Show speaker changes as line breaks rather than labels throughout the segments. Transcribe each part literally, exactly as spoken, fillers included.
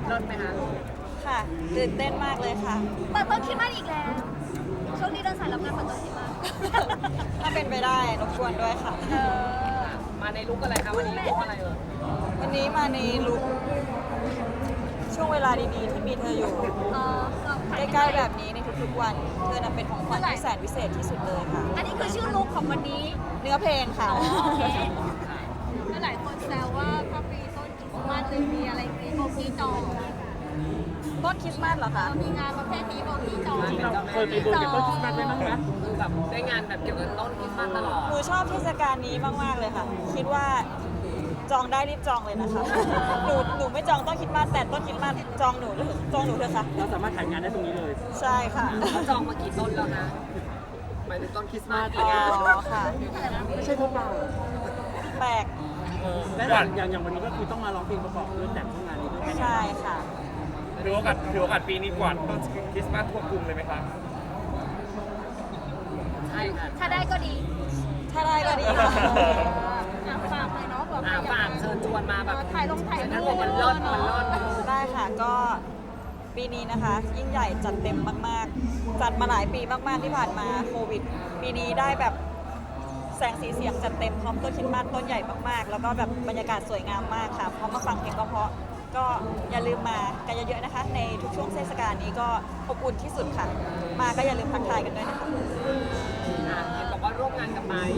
เลิศไหมคะ
ค่ะตื่นเต้นมากเลยค่ะ
เปิดต้นคริสต์มาสอีกแล้วช่วงนี้เดินสายรับงานเปิดต้นคริสต์มาส
ถ้าเป็นไปได้รบกวนด้วยค่ะ
เออ
มาในลุคอะไรคะวันนี้ลุคอะไรเอ่ย
วันนี้มาในลุคช่วงเวลาดีๆที่มีเธออยู่ใกล้ๆแบบนี้ในทุกๆวันเธอน่ะเป็นของขวัญที่แสนพิเศษที่สุดเลยค่ะ
อันนี้คือชื่อลุคของวันนี้
เนื้อเพลงค่ะ
หลายคนแซวว่าพระปีต้นคริสต์มาสเลยมีอะไรมีโบกี้จอง
ต้นคริสต์มาสเหรอคะ
มีงานประเภทนี้โบกี้จอง
เราเคยไปดูต้นคริสต์มาสไหมบ้างไหมคือแบบได้งานแบบเกี่ยวกับต้นคริสต์มาสตลอด
หนูชอบเทศกาลนี้มากๆเลยค่ะคิดว่าจองได้รีบจองเลยนะคะหนูหนูไม่จองต้นคริสต์มาสแต่ต้นคริสต์มาสจองหนูเลยจองหนูเถอะค่ะ
เราสามารถถ่ายงานได้ตรงนี้เลย
ใช่ค่ะ
เขาจองมากี่ต้นแล้วนะหมายถึงต้นคริสต์มาส
อ๋อค่ะ
ไม่ใช่พวกเรา
แปลก
และอย่างอย่างวันนี้ก็คือต้องมาร้องเพลงประกอบเรื่องแต่งงานนี้ด้วย
ใช่ค่ะ
ถือโอกาสถือโอกาสปีนี้กว่าต้นคริสต์มาสทั่วกรุงเลยไหมครับ
ใช่ค่ะ
ถ้าได้ก็ดี
ถ้าได้ก็ดีค่ะ
ฝากเลยเนาะแบบ
ฝากเชิญชวนมาแบบ
ถ่ายลงถ่ายรูป
มันเลิศมันเลิศ
ได้ค่ะก็ปีนี้นะคะยิ่งใหญ่จัดเต็มมากๆจัดมาหลายปีมากๆที่ผ่านมาโควิดปีนี้ได้แบบแสงสีเสียงจัดเต็มพร้อมต้นคริสต์มาสต้นใหญ่มากๆแล้วก็แบบบรรยากาศสวยงามมากค่ะพร้อมมาฟังเพลงเพราะๆก็อย่าลืมมากันเยอะๆนะคะในทุกช่วงเทศกาลนี้ก็อบอุ่นที่สุดค่ะมาก็อย่าลืมทักทายกันด้วยนะคะ
เห็นบอกว่าร่วมงานกับไม้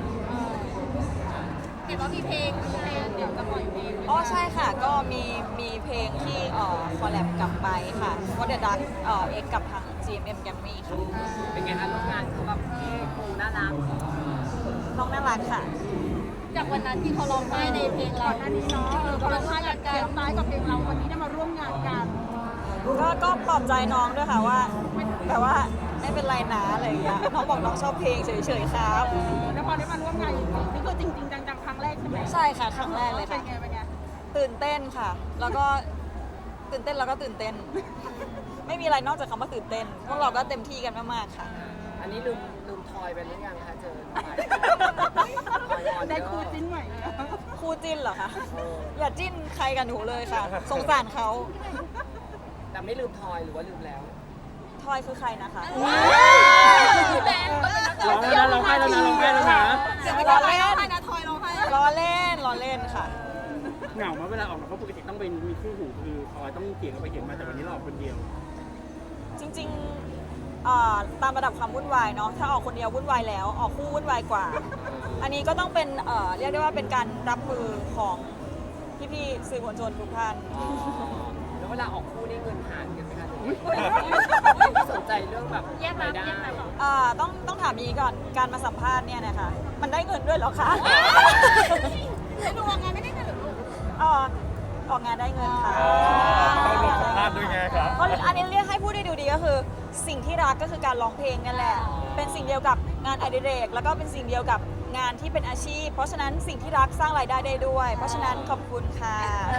เห็นว่ามีเพลงเพลงเดี๋ยวจะปล่อยเพลง
อ๋อใช่ค่ะก็มีมีเพลงที่เอ่อคอลแลบกับไบค่ะว่าเดอะดักเอ่อเอ็กกับทาง จี เอ็ม เอ็ม Grammy ค่ะ
เป็นไงคะร่วมงานเขาแบบเท่คูลน่ารัก
น้องน่ารักค่ะ
จากวันนั้นที่เขาร้องไห้ในเพลงเราอันนี้เนาะเขาร้องไห้กันการร้องไห้กับเพลงเราวันนี้ได้มาร่วมงานกัน
ก็ก็ปลอบใจน้องด้วยค่ะว่าแบบว่าไม่เป็นไรนะอะไรอย่างเงี้ยน้องบอกน้องชอบเพลงเฉยๆครับ
แล้วพอได้มาร่วมงานนี่คือจริงๆจังๆครั้งแรกใช่ไหม
ใช่ค่ะครั้งแรกเลยค่ะ
เป็นไงเป็นไง
ตื่นเต้นค่ะแล้วก็ตื่นเต้นแล้วก็ตื่นเต้นไม่มีอะไรนอกจากคำว่าตื่นเต้นพวกเราก็เต็มที่กันมากๆค่ะ
อันนี้ลืมลืมทอยไปหรือยังคะเจอ
ได้คู่จิ้นใหม่
คู่จิ้นเหรอคะอย่าจิ้นใครกันหนูเลยค่ะสงสารเขา
แต่ไม่ลืมทอยหรือว่าลืมแล้ว
ทอยคือใครนะคะ
ร้องแล้วนะร้องไห้แล้วนะร้องไห้แล้วนะ
ล้อเล่น
นะทอยร้องไห้
ล้อเล่นล้อเล่นค่ะ
เหงาไหมเวลาออกมาเพราะปกติต้องเป็นมีคู่หูคือทอยต้องเกี่ยงกันไปเกี่ยงมาแต่วันนี้เราออกคนเดียว
จริงๆตามระดับความวุ่นวายเนาะถ้าออกคนเดียววุ่นวายแล้วออกคู่วุ่นวายกว่าอันนี้ก็ต้องเป็นเรียกได้ว่าเป็นการรับมือของพี่ๆสื่อมวลชนทุกท่าน
แล้วเวลาออกคู่นี่เงินหารกันไหมคะสนใจเรื่องแบบ
แยกมาแยกมา
ต้องต้องถามนี้ก่อนการมาสัมภาษณ์เนี่ยนะคะมันได้เงินด้วยเหรอคะ
ไม่รู้ว่างานไม่ได้เงินหรือ
อ๋อออกงานได้เงินค่ะ
ต้องลงสัมภาษณ์ด้วยไงครับ
เพราะอันนี้เรียกให้พูดได้ดูดีก็คือสิ่งที่รักก็คือการร้องเพลงนั่นแหละเป็นสิ่งเดียวกับงานอดิเรกแล้วก็เป็นสิ่งเดียวกับงานที่เป็นอาชีพเพราะฉะนั้นสิ่งที่รักสร้างรายได้ได้ด้วย เพราะฉะนั้นขอบคุณค่ะ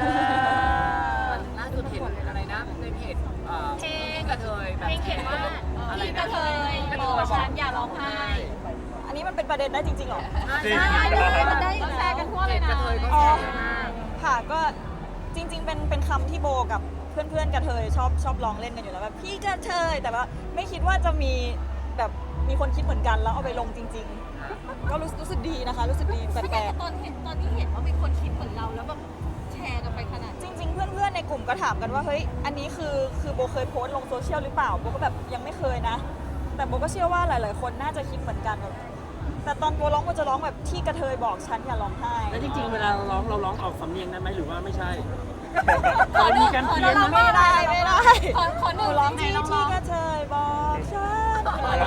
ล่าสุดเห็นอะไรนะในเพจเพลงกระเทยแบบ
เพลงเขียนว่าอะไรกระเทยบอกฉันอย่าร้องไห้
อันนี้มันเป็นประเด็นได้จริงๆหรอ
ใช่เลยมันได้แชร์กันทั่วเลยนะ
อ๋อค่ะก็จริงๆเป็นเป็นคำที่โบกับเพื่อนๆกระเทยชอบชอบร้องเล่นกันอยู่แล้วแบบพี่กระเทยแต่ว่าไม่คิดว่าจะมีแบบมีคนคิดเหมือนกันแล้วเอาไปลงจริงๆก็รู้รู้สึกดีนะคะรู้สึกดีแปลก
ๆตอนเห็นตอนที่เห็นว่ามีคนคิดเหมือนเราแล้วแบบแชร์กันไปขนาด
จริงๆเพื่อนๆในกลุ่มก็ถามกันว่าเฮ้ยอันนี้คือคือโบเคยโพสต์ลงโซเชียลหรือเปล่าโบก็แบบยังไม่เคยนะแต่โบก็เชื่อว่าหลายๆคนน่าจะคิดเหมือนกันแบบแต่ตอนโบร้องโบจะร้องแบบที่กระเทยบอกฉันอย่าร้องไห้
แล้วจริงๆเวลาเราร้องเราร้องออกสำเนียงนั้นไหมหรือว่าไม่ใช่
ขอมีกันเพี้ยนไม่ได้ไม่ได้
ขอขอหนู
ร้องที่ที่กระเทยบอกฉัน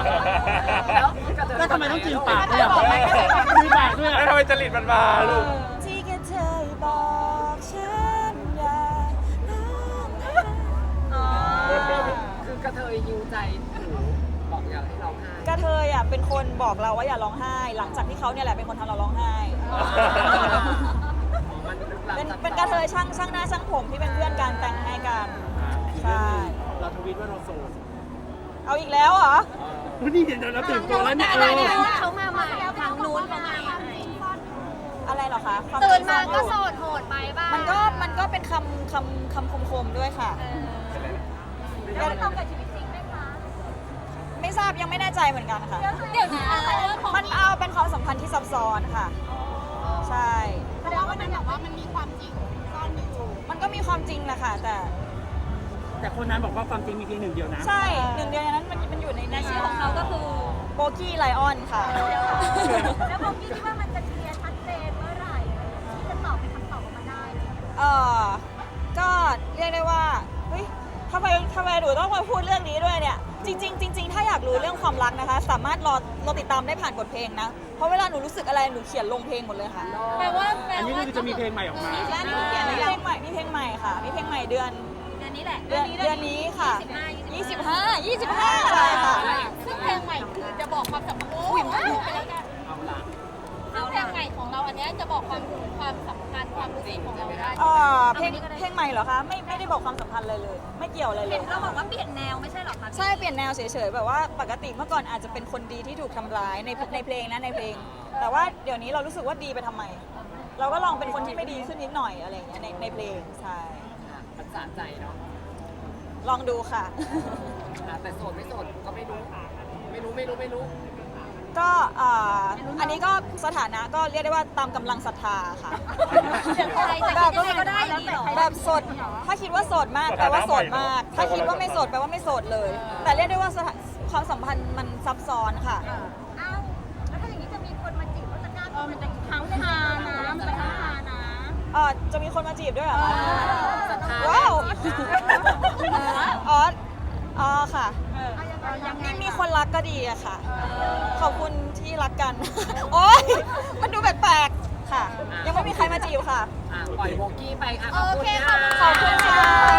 แล้วทำไมต้องจืดปากด้วยอ่ะมีปากด้วยอ่ะ
แล้วทำไมจริตมันมาลูก
ที่กระเทยบอกฉันอย่า
คือกระเทยยิวใจหนูบอกอย่าให้ร้องไห้
กระเทยอ่ะเป็นคนบอกเราว่าอย่าร้องไห้หลังจากที่เขาเนี่ยแหละเป็นคนทำเราร้องไห้เป็นเป็นกระเทยช่างช่างหน้าช่างผมที่เป็นเพื่อนกันแต่งให้กันใช่
เราทวิตว่าเราโสด
เอาอีกแล้วเหรอ
นี่เดี๋ยวเราตื่นตัวแล้วเนี่ย
เขามาใหม่ทางนู้นเขามาใหม่
อะไรเหรอคะความ
ตื่น
จริง
มา
ซ่อนอ
ก็
ยู่
โสดโหดไปบ้าง
มันก็มันก็เป็นคำคำคำคมๆด้วยค่ะ
แล้วมันตรงกับชีวิตจริงไหมคะ
ไม่ทราบยังไม่แน่ใจเหมือนกันค่ะ
เดี๋ยวนะ
มันเอาเป็นความสัมพันธ์ที่ซับซ้อนค่ะ ใช่
แสดงว่ามันแบบว่ามันมีความจริงซ่อนอยู่
มันก็มีความจริงแหละค่ะ แต่
แต่คนนั้นบอกว่าความจริงมีเพียงหนึ่งเดียวนะ
ใช่หนึ่งเดียวในนั้นมันมันอยู่ใน
ใน
ใน
ชื่อของเขาก็คือ
โบกี้ไลออนค่ะ
แล้วผมคิดว่ามันจะเคลียร์ชัดเจนเมื่อไหร่ที่จะตอบเป็นคำตอบออกมาได้
เออก็เรียกได้ว่า เฮ้ยทำไมทำไมหนูต้องมาพูดเรื่องนี้ด้วยเนี่ย จริง ๆ จริง ๆ ถ้าอยากรู้เรื่องความรักนะคะ สามารถรอรอติดตามได้ผ่านบทเพลงนะ เพราะเวลาหนูรู้สึกอะไรหนูเขียนลงเพลงหมดเลยค่ะ
แปลว่า
อันนี้ก็คือจะมีเพลงใหม่ออกมา
และนี่เขียนมีเพลงใหม่มีเพลงใหม่ค่ะ มีเพลงใหม่เดือน
เดือนนี้แหละ
เดือนเดือนนี้ค่ะ
ยี่
ยี่
สิ
สิ
บบ ห้า
ห้า ยี่สิบห้าใช่ค่ะ
ซึ่งเพลงใหม่คือจะบอกความสัมพันธ์โอ้ยว้าวไปแล้วกัน
เอาละ
ซึ่งเพลงใหม่ของเราอันเนี้ยจะบอกความความสัมพันธ์ความรู้สึกของเราได้
เอ่อเพลงเพลงใหม่เหรอคะไม่ไม่ได้บอกความสัมพันธ์เลยเลย ไม่เกี่ยวอะไรเล
เห็
ย
นเราบอกว่าเปลี่ยนแนวไม่ใช่หรอคะ
ใช่เปลี่ยนแนวเฉยๆแบบว่าปกติเมื่อก่อนอาจจะเป็นคนดีที่ถูกทำร้ายในในเพลงนะในเพลง แต่ว่าเดี๋ยวนี้เรารู้สึกว่าดีไปทำไม เราก็ลองเป็นคนที่ไม่ดีขึ้นนิดหน่อยอะไรอย่างเงี้ยในในเพลงใช่
ค่ะมันสะใจเนาะ
ลองดูค่ะ
ค่ะแต่โสดไม่โสดก็ไม่รู้ไม่รู้ไม่รู้ไม่รู้
ก็อ่าอันนี้ก็สถานะก็เรียกได้ว่าตามกำลังศรัทธาค่ะ
อะไรจะ
แบบ
คิดยังไงก็ได้อย่างนี้เหรอ
แบบโสดถ้าคิดว่าโสดมากแปลว่าโสดมาก ถ้าคิดว่าไม่โสดแปลว่าไม่โสดเลย แต่เรียกได้ว่าสถาความสัมพันธ์มันซับซ้อนค่ะ
อ้าวแล้วถ้าอย่างนี้จะมีคนมาจีบเขาจะกล้าเออมันจะทั้งทานะมันจะทั้งทานะ
เอ่อจะมีคนมาจีบด้วยเหรอคะ
ศรัทธา
ว้าว
จีบได้
อ๋ออ๋อค่ะ
เอายังไง
มีมีคนรักก็ดีอะค่ะ ขอบคุณที่รักกัน โอ๊ย มันดูแปลกๆค่ะ ยังไม่มีใครมาจีบค่ะ
อ่ะปล่อยโบกี้ไปค่ะ
โอเค
ขอบ
ค่ะ
คุณค่ะ
ขอบคุณค่ะ